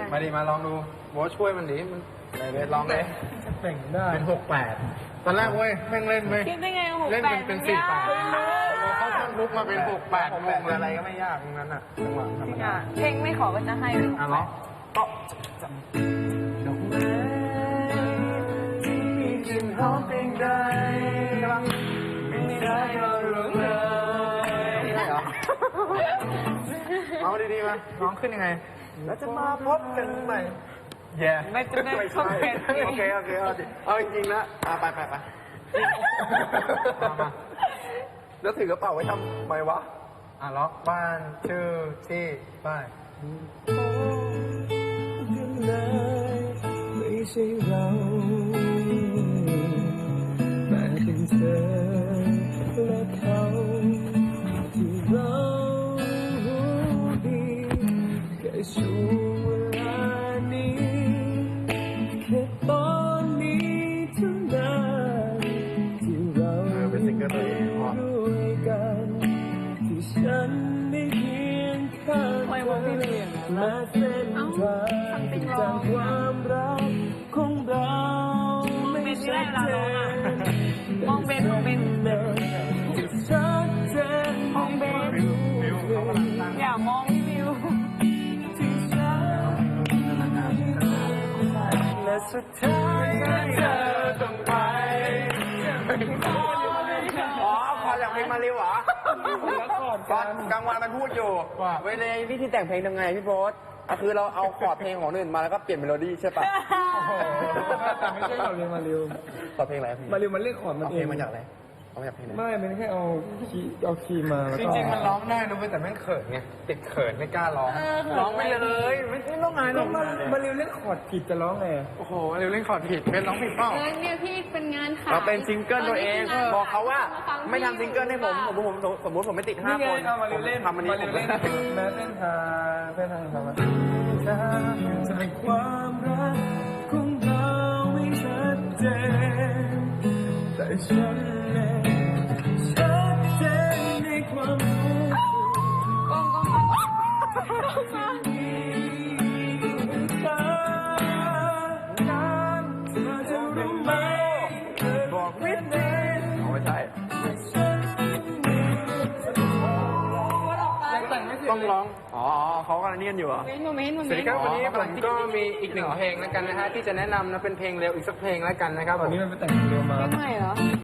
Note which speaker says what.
Speaker 1: มาดิมาลองดูโบ๊ทช่วยมันดิมันไหนลองเลยจะเป่งได้เป็น68ตอนแรกเว้ยแม่งเล่นเว้ย
Speaker 2: คิดได้ไง68
Speaker 1: เล่นเป็น48เขาทำลุกมาเป็น68งงอะไรก็ไม่ยากตรงนั้นอ่ะจังหวะธรรมดา
Speaker 2: เพลงไม่ขอก็จะให้เลย
Speaker 1: อ่ะเนาะก็ดอกไม้ที่มีกลิ่นหอมเพียงใดใช่ปะไม่ได้ก็รู้เลยไม่ได้เหรอเอาดีๆมาร้องขึ้นยังไงแล้วจะมาพบกันใหม่แย่ไม่ใช่โอเคเอาจริงๆนะไปแล้วถือกระเป๋าไว้ทำไมวะล็อกบ้านชื่อที่ป้าย
Speaker 3: ไม่ใช่เราแต่เป็นเธอและเขาที่เราดีแค่ช่วงเวลานี้แค่ตอนนี้เท่านั้นที่เราด้วยกันที่ฉันได้เพียงข้างเธอและเส้นทางจากความรักของเราไม่ชัดเจน
Speaker 2: มองเป็น
Speaker 3: ชัดเจน
Speaker 2: มองเป็นอย่ามองพี่วิว
Speaker 3: และสุดท้ายเธอต้องไป
Speaker 1: พออยากเพลงมาเร็วเหรอตอนกลางวันมันพูดอยู่เวลาวิธีแต่งเพลงยังไงพี่โบ๊ทคือเราเอาคอร์ดเพลงของอื่นมาแล้วก็เปลี่ยนเมโลดี้ใช่ปะ
Speaker 3: แต่ไม่ใช่เราเรียนมาเร็ว
Speaker 1: คอร์ดเพลงอะไร
Speaker 3: มาเร็วมันเล่นคอร์ดมัน
Speaker 1: เอา
Speaker 3: เอ
Speaker 1: เพล
Speaker 3: ง
Speaker 1: งมาจากอะไรเอามาจากเพลงไหน
Speaker 3: ไม่มันแค่เอาคีย์มาแล้ว
Speaker 1: จ
Speaker 3: ก็
Speaker 1: ริงๆมันร้องได้นะเว้ยแต่แม่งเขินไงติดเขินไม่กล้าร้องร้องไปเลยไม่ใช่ร้องไงหรอก
Speaker 3: มาเร็วเล่นคอร์ดผิดจะร้องไง
Speaker 1: โอ้โหเร็วเล่นคอร์ดผิดเป็นร้องผิดเปล่า
Speaker 2: เนี่ยพี่เป็นงานขาย
Speaker 1: เราเป็นซิงเกิลตัวเองบอกเขาว่าไม่ทำซิงเกิลให้ผมสมมติผมไม่ติด5 คน
Speaker 3: เอามาเร็วเล่น
Speaker 1: ทำอันนี้
Speaker 3: มาเร็วเล่นแม้เส้นทางทำมาจากความรักของเราไม่ชัดเจนแต่ฉันเองชัดเจนในความรู้สึก
Speaker 2: กองมา
Speaker 1: บอกไม่ได้ไม่ใช่ต้องร้องอ๋อเขากำลังเนียนอยู่เหรอ
Speaker 2: หนูไม่
Speaker 1: สวัสดีครับวันนี้ผมก็มีอีก1 เพลงแล้วกันนะฮะที่จะแนะนำนะเป็นเพลงเร็วอีกสักเพลงแล้วกันนะครับ
Speaker 3: ตอนนี้มันไปแต่งเร็วมา
Speaker 2: ไม่เหรอ